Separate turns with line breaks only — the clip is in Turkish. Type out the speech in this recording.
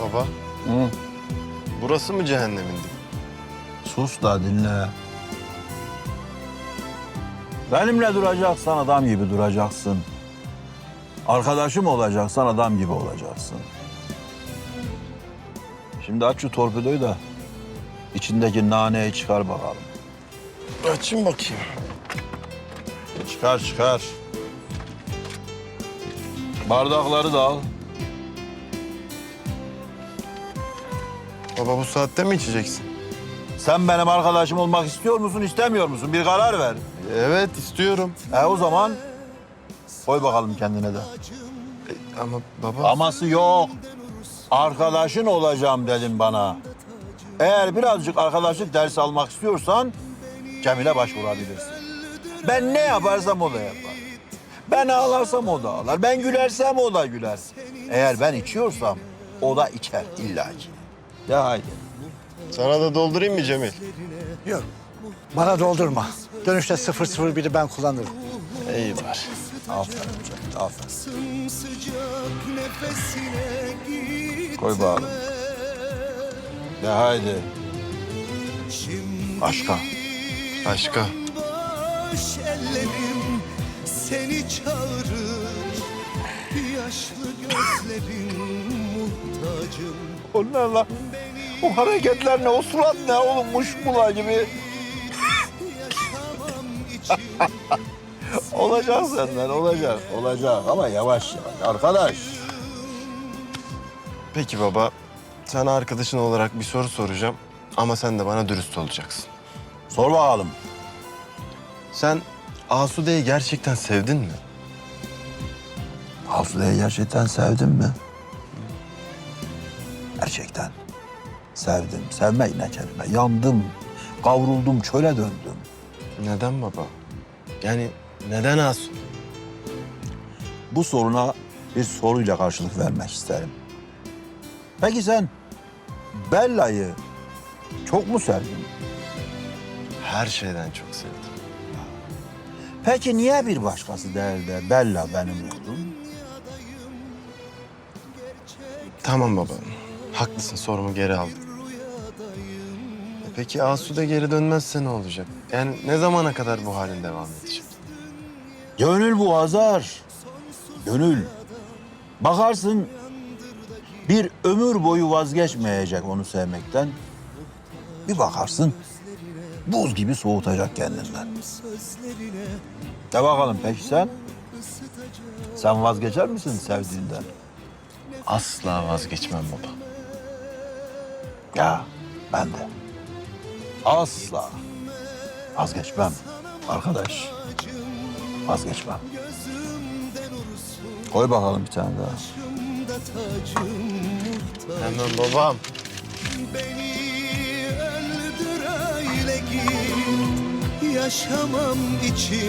Baba,
Hı.
burası mı cehennemin dibi?
Sus da dinle. Benimle duracaksan adam gibi duracaksın. Arkadaşım olacaksan adam gibi olacaksın. Şimdi aç şu torpidoyu da içindeki naneyi çıkar bakalım.
Açayım bakayım.
Çıkar çıkar. Bardakları da al.
Baba bu saatte mi içeceksin?
Sen benim arkadaşım olmak istiyor musun, istemiyor musun? Bir karar ver.
Evet, istiyorum.
O zaman koy bakalım kendine de.
Ama baba...
Aması yok. Arkadaşın olacağım dedim bana. Eğer birazcık arkadaşlık dersi almak istiyorsan Cemil'e başvurabilirsin. Ben ne yaparsam o da yapar. Ben ağlarsam o da ağlar. Ben gülersem o da güler. Eğer ben içiyorsam o da içer illaki. De haydi.
Sana da doldurayım mı Cemil?
Yok. Bana doldurma. Dönüşte 001'i ben kullanırım.
İyi var.
Aferin Cemil, aferin. Koy bakalım. De haydi. Başka.
Başka.
Boş ellerim seni çağırır. Yaşlı gözlerim muhtacım.
Onlarla o hareketler ne, o surat ne oğlum, muşmula gibi.
Yaşamam için
Olacak senden, olacak. Olacak ama yavaş yavaş arkadaş.
Peki baba, sana arkadaşın olarak bir soru soracağım. Ama sen de bana dürüst olacaksın.
Sor bakalım.
Sen Asude'yi gerçekten sevdin mi?
Asude'yi gerçekten sevdin mi? Gerçekten. Sevdim. Sevmek ne kelime. Yandım. Kavruldum, çöle döndüm.
Neden baba? Yani neden Asude?
Bu soruna bir soruyla karşılık vermek isterim. Peki sen Bella'yı çok mu sevdin?
Her şeyden çok sevdim.
Peki niye bir başkası değil de Bella benim oldum?
Tamam baba, haklısın, sorumu geri aldım. Peki Asude geri dönmezse ne olacak? Yani ne zamana kadar bu halin devam edecek?
Gönül bu Hazar. Gönül. Bakarsın bir ömür boyu vazgeçmeyecek onu sevmekten. Bir bakarsın buz gibi soğutacak kendinden. De bakalım peki sen? Sen vazgeçer misin sevdiğinden?
Asla vazgeçmem baba.
Ya ben de. Asla vazgeçmem arkadaş. Vazgeçmem. Koy bakalım bir tane daha.
başımda tacım muhtaç.
Hemen babam.
Beni öldür öyle git. Yaşamam için